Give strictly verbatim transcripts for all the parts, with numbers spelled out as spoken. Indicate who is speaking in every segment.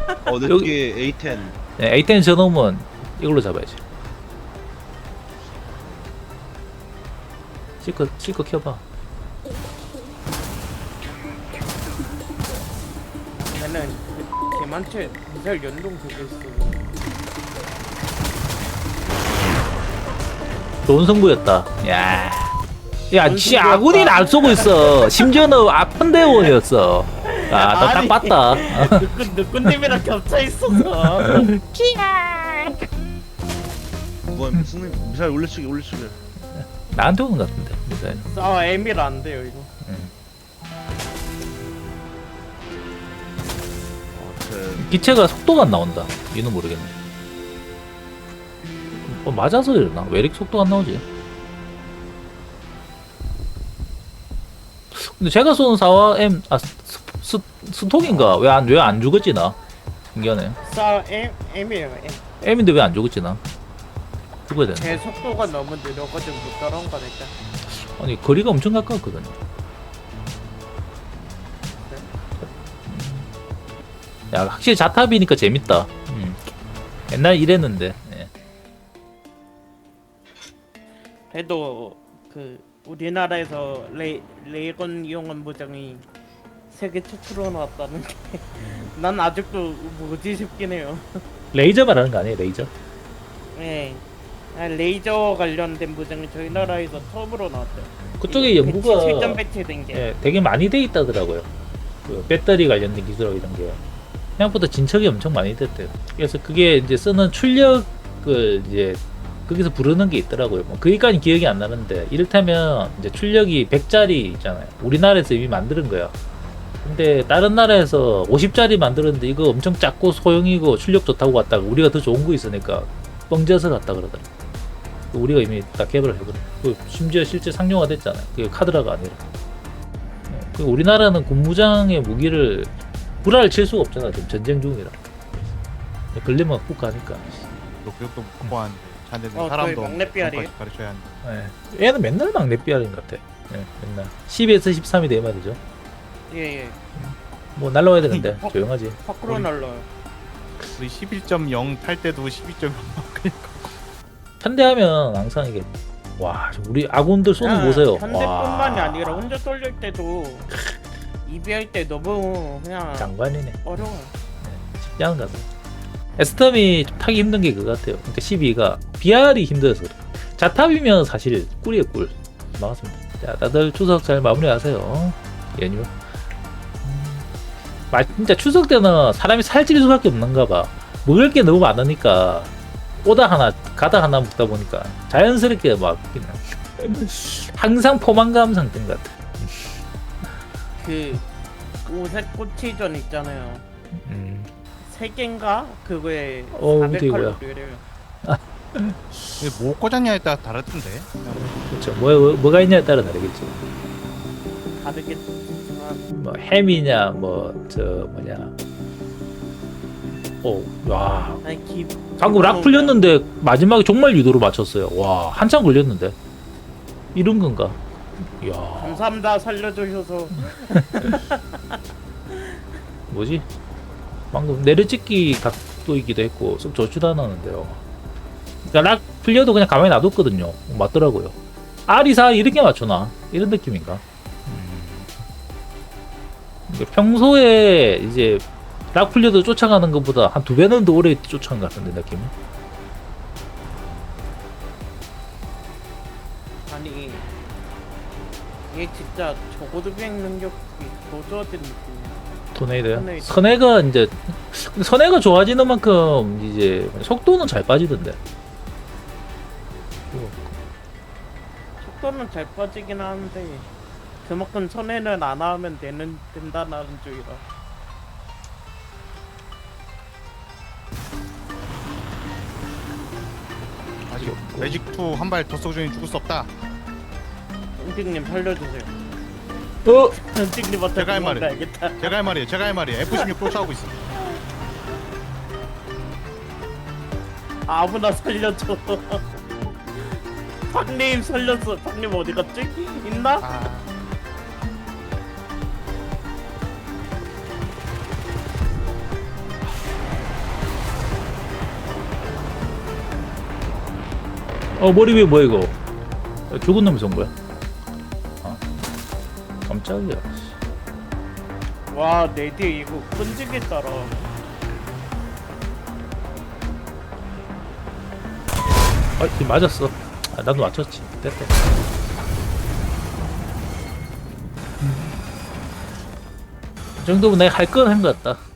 Speaker 1: 어, 내
Speaker 2: 여기-
Speaker 1: 쪽에 에이 텐.
Speaker 2: 네, 에이 텐 저놈은 이걸로 잡아야지. 실컷 실컷 켜봐.
Speaker 3: 나는 그 개만체 미사일 연동 그게 있어.
Speaker 2: 좋은 승부였다. 야, 야,
Speaker 3: 좋은
Speaker 2: 지
Speaker 3: 승부였다.
Speaker 2: 아군이 날 쏘고 있어. 심지어는 아픈 대원이었어. 아, 너 딱
Speaker 3: 아니.
Speaker 2: 봤다.
Speaker 3: 누꾼 누꾼님이랑 겹쳐 있어서.
Speaker 1: 뭐 무슨 미사일 올려치기 올려치기.
Speaker 2: 나한테 오는 것 같은데. 미사일.
Speaker 3: 아 에밀 안 돼요 이거.
Speaker 1: 어, 제
Speaker 2: 기체가 속도가 안 나온다. 이는 모르겠네. 뭐 맞아서 이러나? 왜 이렇게 속도가 안 나오지? 근데 제가 쏜 사와 M 아 스, 스, 스톡인가? 왜 안 왜 안 죽었지 나? 신기하네.
Speaker 3: 싸 에, 에밀 에.
Speaker 2: M인데 왜 안 죽었지 나? 죽어야 되나?
Speaker 3: 제 속도가 너무 느려가지고 못 따라온 거니까.
Speaker 2: 아니 거리가 엄청 가까웠거든요. 야 확실히 자탑이니까 재밌다. 음. 옛날 이랬는데. 예.
Speaker 3: 그래도 그 우리나라에서 레 레이건 이용한 무장이 세계 최초로 나왔다는 게 난 아직도 뭐지 싶긴 해요.
Speaker 2: 레이저 말하는 거 아니에요? 레이저?
Speaker 3: 네. 아, 레이저 관련된 무장이 저희 나라에서 처음으로 나왔대요.
Speaker 2: 그쪽에
Speaker 3: 이게
Speaker 2: 연구가
Speaker 3: 배치, 실전 배치된 게.
Speaker 2: 예, 되게 많이 돼 있다더라고요. 그 배터리 관련된 기술하고 이런 게 생각보다 진척이 엄청 많이 됐대요. 그래서 그게 이제 쓰는 출력을 이제 거기서 부르는 게 있더라고요. 뭐 그기까지 기억이 안 나는데 이를테면 이제 출력이 백짜리 있잖아요. 우리나라에서 이미 만드는 거야. 근데 다른 나라에서 오십짜리 만들었는데 이거 엄청 작고 소형이고 출력 좋다고 갔다가 우리가 더 좋은 거 있으니까 뻥져서 갔다 그러더라. 우리가 이미 다 개발을 해버려. 그 심지어 실제 상용화 됐잖아요. 그게 카드라가 아니라. 그 우리나라는 군무장의 무기를 불화를 칠 수가 없잖아. 지금 전쟁 중이라. 걸리면 훅 가니까.
Speaker 4: 또 교육도 못 받고 하는데 자네들
Speaker 3: 어,
Speaker 4: 사람도
Speaker 3: 저희 막내 삐아리.
Speaker 4: 그것까지 가르쳐야 하는데.
Speaker 2: 예. 얘는 맨날 막내 삐아린 것 같아. 예, 맨날. 십에서 십삼이 돼 말이죠.
Speaker 3: 예 예.
Speaker 2: 뭐 날라와야 되는데
Speaker 3: 어?
Speaker 2: 조용하지.
Speaker 3: 밖으로
Speaker 4: 우리-
Speaker 3: 날라요.
Speaker 4: 우리 십일 점 영 탈 때도 십이 점 영
Speaker 2: 편대하면 항상 이게 와 우리 아군들 쏘는 거 보세요.
Speaker 3: 현대뿐만이
Speaker 2: 와,
Speaker 3: 아니라 혼자 쏠릴 때도 이비할 때 너무 그냥
Speaker 2: 장관이네.
Speaker 3: 어려워.
Speaker 2: 쉽지 않은 것 같아. 에스텀이 좀 타기 힘든 게 그거 같아요. 그러니까 십이가 비알이 힘들어서 그래. 자탑이면 사실 꿀이에요 꿀. 반갑습니다. 자 다들 추석 잘 마무리하세요. 연휴. 음, 마, 진짜 추석 때는 사람이 살찔 수밖에 없는가 봐. 먹을 게 너무 많으니까 오다 하나 가다 하나 먹다 보니까 자연스럽게 막 그냥 항상 포만감 상태인 것 같아.
Speaker 3: 그 오색 꼬치전 있잖아요.
Speaker 2: 음.
Speaker 3: 세 개인가 그거에
Speaker 2: 어,
Speaker 3: 사백
Speaker 2: 어떻게 뭐야?
Speaker 3: 칼로리래요.
Speaker 4: 이게 뭐 꽂았냐에 따라 다르던데.
Speaker 2: 그렇죠. 뭐, 뭐 뭐가 있냐에 따라 다르겠죠.
Speaker 3: 다르겠지만
Speaker 2: 뭐 햄이냐 뭐 저 뭐냐. 오, 와.
Speaker 3: 아니 기
Speaker 2: 방금 락 풀렸는데 마지막에 정말 유도로 맞췄어요. 와, 한참 걸렸는데. 이런 건가? 이야,
Speaker 3: 감사합니다 살려주셔서.
Speaker 2: 뭐지? 방금 내려찍기 각도이기도 했고 썩 좋지도 않았는데요. 그러니까 락 풀려도 그냥 가만히 놔뒀거든요. 맞더라고요. 아리사 이렇게 맞추나? 이런 느낌인가? 음. 그러니까 평소에 이제 락 풀려도 쫓아가는 것보다 한 두 배는 더 오래 쫓아간 것 같은데 느낌이.
Speaker 3: 아니 얘 진짜 저고도 비행 능력이 더 좋아진 느낌이야.
Speaker 2: 토네이도요?
Speaker 3: 토네이도.
Speaker 2: 선해가 이제 근데 선해가 좋아지는 만큼 이제 속도는 잘 빠지던데.
Speaker 3: 속도는 잘 빠지긴 하는데 그만큼 손해는 안 하면 되는 된다는 주의라.
Speaker 4: 아직 매직 투 한 발 더 쏘고 중에 죽을 수 없다.
Speaker 3: 은직님 살려주세요.
Speaker 2: 어?
Speaker 3: 은직님한테
Speaker 4: 제가 할 말은-
Speaker 3: 도망가야겠다.
Speaker 4: 제가 할 말이에요. 제가 할 말이에요. 에프 십육 쫓아오고 있어.
Speaker 3: 아무나 살려줘. 박님 살렸어. 박님 어디 갔지? 있나?
Speaker 4: 아,
Speaker 2: 어 머리 위에 뭐야 이거? 야, 죽은 놈이 쏜 거야? 아 깜짝이야. 씨.
Speaker 3: 와, 내 뒤에 이거 끈질게 따라.
Speaker 2: 아 지금 맞았어. 아, 나도 맞췄지. 됐다. 이 정도면 내가 할 건 한 것 같다.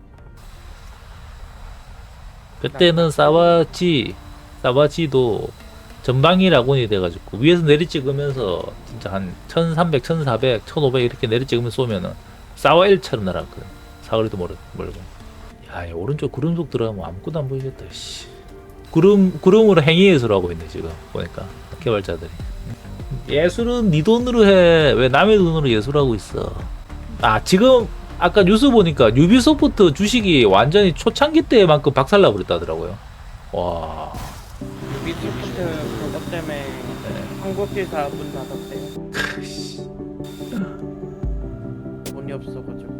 Speaker 2: 그때는 사와지, 사와지도 전방위 라곤이 돼가지고 위에서 내리 찍으면서 진짜 한 천삼백, 천사백, 천오백 이렇게 내리 찍으면서 쏘면은 사와 일처럼 날아갔거든. 사거리도 멀, 멀고. 야, 이 오른쪽 구름 속 들어가면 아무것도 안 보이겠다. 씨. 구름 구름으로 행위예술 하고 있네 지금 보니까 개발자들이. 예술은 네 돈으로 해. 왜 남의 돈으로 예술하고 있어? 아 지금 아까 뉴스 보니까 유비소프트 주식이 완전히 초창기 때만큼 박살나 버렸다더라고요. 와.
Speaker 3: 유비소프트 그것 때문에 한국지사 문 닫았대요. 돈이 없어가지고.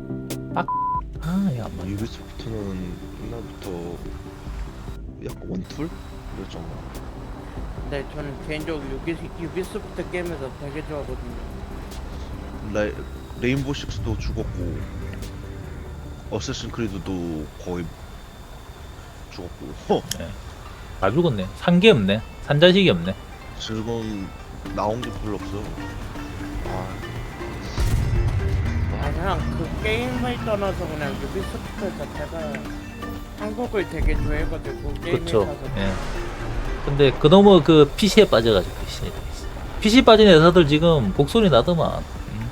Speaker 2: 아, 야, 뭐.
Speaker 1: 유비소프트는 옛날부터 약간 원툴? 그랬잖아.
Speaker 3: 근데 저는 개인적으로 유비, 유비소프트 게임에서 되게 좋아하거든요.
Speaker 1: 레, 레인보우 식스도 죽었고 어쌔신 크리드도 거의 죽었고. 허!
Speaker 2: 다 죽었네. 산 게 없네. 산 자식이 없네.
Speaker 1: 지금 나온 게 별로 없어. 아,
Speaker 3: 아, 그냥 그 게임을 떠나서 그냥 유비소프트 자체가 한국을 되게 좋아해가지고 게임에
Speaker 2: 그쵸.
Speaker 3: 사서
Speaker 2: 예. 근데 그놈의 그 피시에 빠져가지고 피시에 피시 빠진 회사들 지금 곡소리 나더만. 음.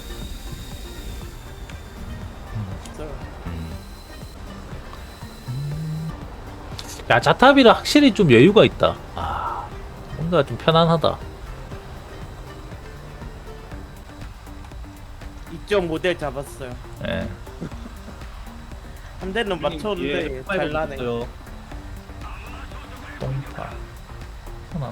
Speaker 3: 있어요.
Speaker 2: 야 자탑이라 확실히 좀 여유가 있다. 아 뭔가 좀 편안하다.
Speaker 3: 이점 오 대 잡았어요.
Speaker 2: 예.
Speaker 3: 한 대는 맞췄는데 잘 나네.
Speaker 2: 똥파. 편안.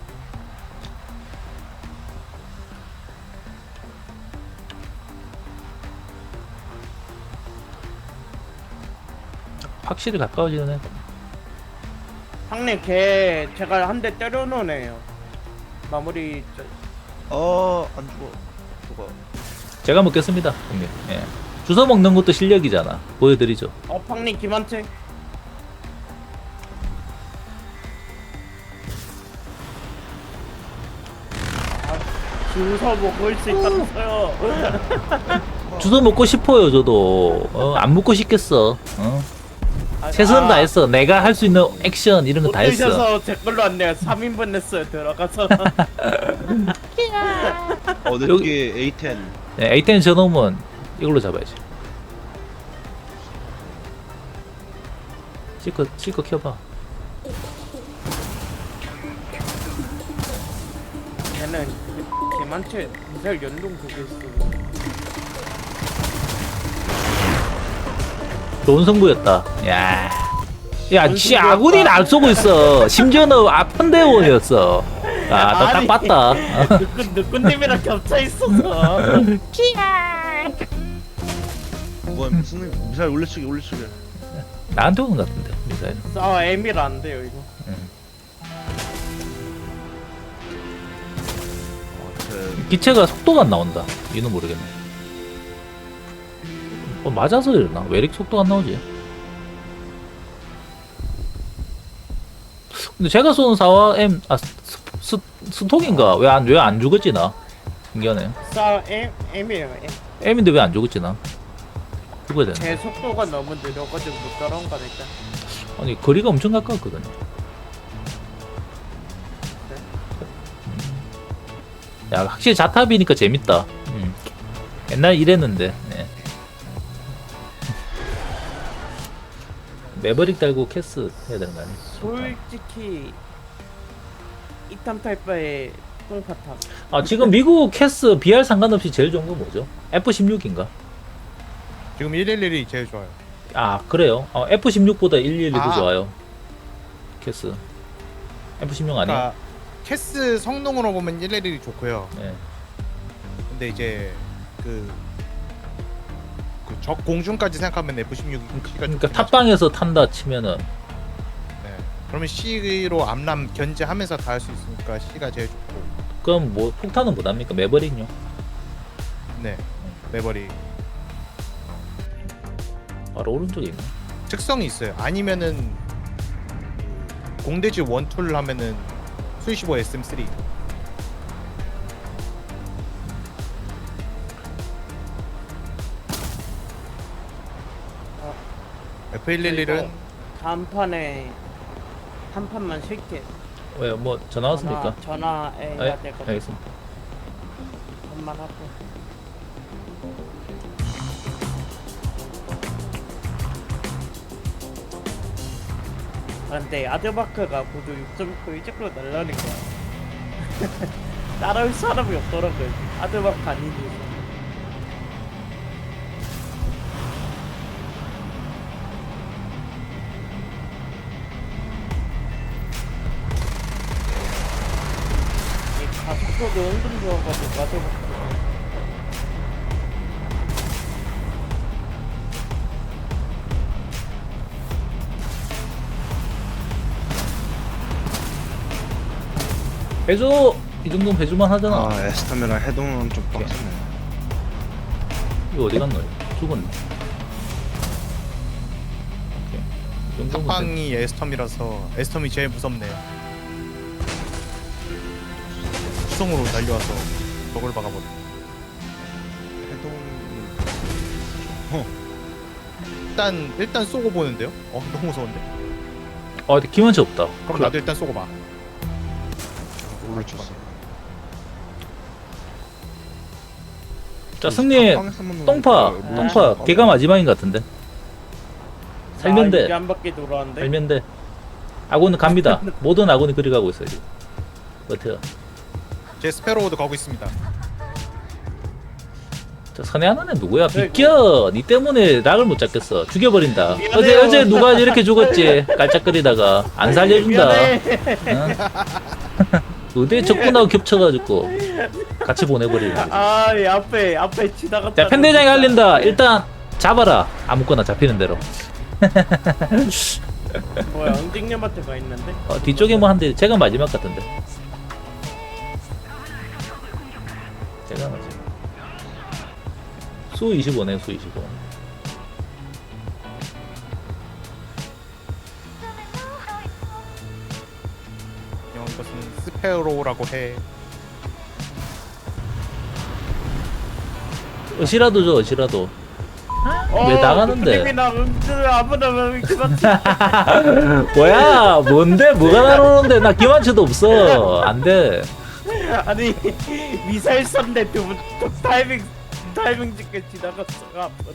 Speaker 2: 확실히 가까워지는 애.
Speaker 3: 형님 걔 제가 한 대 때려놓은 애요. 마무리 저,
Speaker 1: 아, 안 죽어. 누가?
Speaker 2: 제가 먹겠습니다, 형님. 예. 주워 먹는 것도 실력이잖아. 보여드리죠.
Speaker 3: 어 형님 김한채. 아, 주워 먹을 수 있다면서요.
Speaker 2: 주워 먹고 싶어요, 저도. 어, 안 먹고 싶겠어. 어?
Speaker 3: 아,
Speaker 2: 최선
Speaker 3: 아,
Speaker 2: 다했어. 내가 할 수 있는 액션 이런 거
Speaker 3: 못
Speaker 2: 다 했어.
Speaker 3: 드셔서 제 걸로 안 내요. 삼 인분 냈어요 들어가서.
Speaker 1: 어, 내
Speaker 2: 여기-
Speaker 1: 뒤에 에이 텐.
Speaker 2: 네, 에이 텐 저놈은 이걸로 잡아야지. 실컷 실컷 켜봐.
Speaker 3: 걔는 그 김한채 미사일 연동 그게 있어.
Speaker 2: 좋은 승부였다. 야, 야, 씨 아군이 날 쏘고 있어. 심지어는 아픈 대원이었어. 아, 너 딱
Speaker 3: 아니.
Speaker 2: 봤다. 어.
Speaker 3: 느꾼 느꾼님이랑 겹쳐 있어서.
Speaker 1: 뭐야, 무슨 미사일 올려치기 올려치기.
Speaker 2: 나한테 오는 것 같은데 미사일.
Speaker 3: 아 에미라 안 돼요 이거.
Speaker 1: 아, 쟤
Speaker 2: 기체가 속도가 안 나온다. 이는 모르겠네. 어, 맞아서 이러나? 왜 이렇게 속도가 안 나오지? 근데 제가 쏘는 사와 M 아 스, 스, 스톡인가? 왜 안 왜 안 죽었지 나? 신기하네.
Speaker 3: 싸 M M이에요. M.
Speaker 2: M인데 왜 안 죽었지 나? 죽어야 되네.
Speaker 3: 제 속도가 너무 느려가지고 못 따라온 거니까.
Speaker 2: 아니 거리가 엄청 가까웠거든. 야 확실히 자탑이니까 재밌다. 음. 옛날 이랬는데. 네. 매버릭 달고 캐스 해야 되는 거 아니야?
Speaker 3: 솔직히 이탐 탈바의 똥파탑.
Speaker 2: 아 지금 미국 캐스 비알 상관없이 제일 좋은 건 뭐죠? 에프 십육인가?
Speaker 4: 지금 일일일이 제일 좋아요.
Speaker 2: 아 그래요? 어, 에프 십육보다 일일이도
Speaker 4: 아.
Speaker 2: 좋아요. 캐스. 에프 십육 아니야?
Speaker 4: 그러니까 캐스 성능으로 보면 일일일이 좋고요.
Speaker 2: 네.
Speaker 4: 근데 이제 그, 그적 공중까지 생각하면 에프 십육이
Speaker 2: 그러니까 탑방에서 탄다 치면은
Speaker 4: 네. 그러면 C로 암람 견제하면서 다 할 수 있으니까 C가 제일 좋고.
Speaker 2: 그럼 뭐 폭탄은 못합니까? 매버릭요?
Speaker 4: 네. 매버리
Speaker 2: 바로 오른쪽에 있네.
Speaker 4: 특성이 있어요. 아니면은 그 공대지 원툴 하면은 수이십오 에스엠 쓰리. 에프 일일일은
Speaker 3: 다음 판에 한 판만 쉴게.
Speaker 2: 왜요? 뭐 전화 왔습니까?
Speaker 3: 전화, 전화해
Speaker 2: 아,
Speaker 3: 야
Speaker 2: 예,
Speaker 3: 될거든.
Speaker 2: 알겠습니다.
Speaker 3: 한만 하고. 아, 근데 아드바크가 고도 육 점 구 이쪽으로 날라니까 따라올 사람이 없더라고요. 아드바크 아닌 이상. 이 가속도도 은근 좋아가지고 아드바크.
Speaker 2: 배조 이 정도면 배조만 하잖아.
Speaker 1: 아 에스타메라 해동은 좀 빡세네.
Speaker 2: 이거 어디 갔노? 죽었네. 오케이. 이 정도면 돼.
Speaker 4: 탑방이 에스텀이라서 에스텀이 제일 무섭네요. 수성으로 달려와서 저걸 박아버려.
Speaker 1: 해동
Speaker 4: 일단 일단 쏘고 보는데요? 어 너무 무서운데?
Speaker 2: 아, 근데 기만치 없다.
Speaker 4: 그럼 나도 일단 쏘고 봐.
Speaker 1: 올려줬어.
Speaker 2: 자, 승리 똥파, 똥파. 걔가 마지막인 것 같은데. 살면
Speaker 3: 아, 이게
Speaker 2: 돼.
Speaker 3: 한 바퀴 돌아왔는데.
Speaker 2: 살면 돼. 아군은 갑니다. 모든 아군이 그리 가고 있어요 지금. 어때요?
Speaker 4: 제 스페로우도 가고 있습니다.
Speaker 2: 저 선에 하나는 누구야?
Speaker 3: 아이고.
Speaker 2: 비껴! 니 때문에 락을 못 잡겠어. 죽여버린다.
Speaker 3: 미안해요.
Speaker 2: 어제 어제 누가 이렇게 죽었지? 깔짝거리다가 안 살려준다.
Speaker 3: 미안해.
Speaker 2: 응? 의대 적군하고 겹쳐가지고 같이 보내버리는 거지.
Speaker 3: 아, 이 앞에 앞에 지나갔다.
Speaker 2: 자, 편대장이 알린다. 일단 잡아라. 아무거나 잡히는 대로.
Speaker 3: 뭐야, 응징님한테 가 있는데?
Speaker 2: 어, 뒤쪽에 뭐 한대. 제가 마지막 같은데. 제가 마지막. 수 이십오네, 수 이십오.
Speaker 4: 형 이것은 스페로우라고 해.
Speaker 2: 어시라도 줘, 어시라도.
Speaker 3: 어,
Speaker 2: 왜 나가는데?
Speaker 3: 응징이나 응징 아무나 왜 그렇지?
Speaker 2: 뭐야? 뭔데? 뭐가 나오는데? 나 기만치도 없어. 안 돼.
Speaker 3: 아니 미사일 쏜데 두 분 타이밍 타이밍 찍게 지나갔어 앞으로.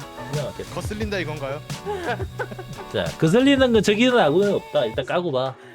Speaker 2: 그냥
Speaker 4: 거슬린다 이건가요?
Speaker 2: 자, 거슬리는 건 저기는 아무것도 없다. 일단 까고 봐.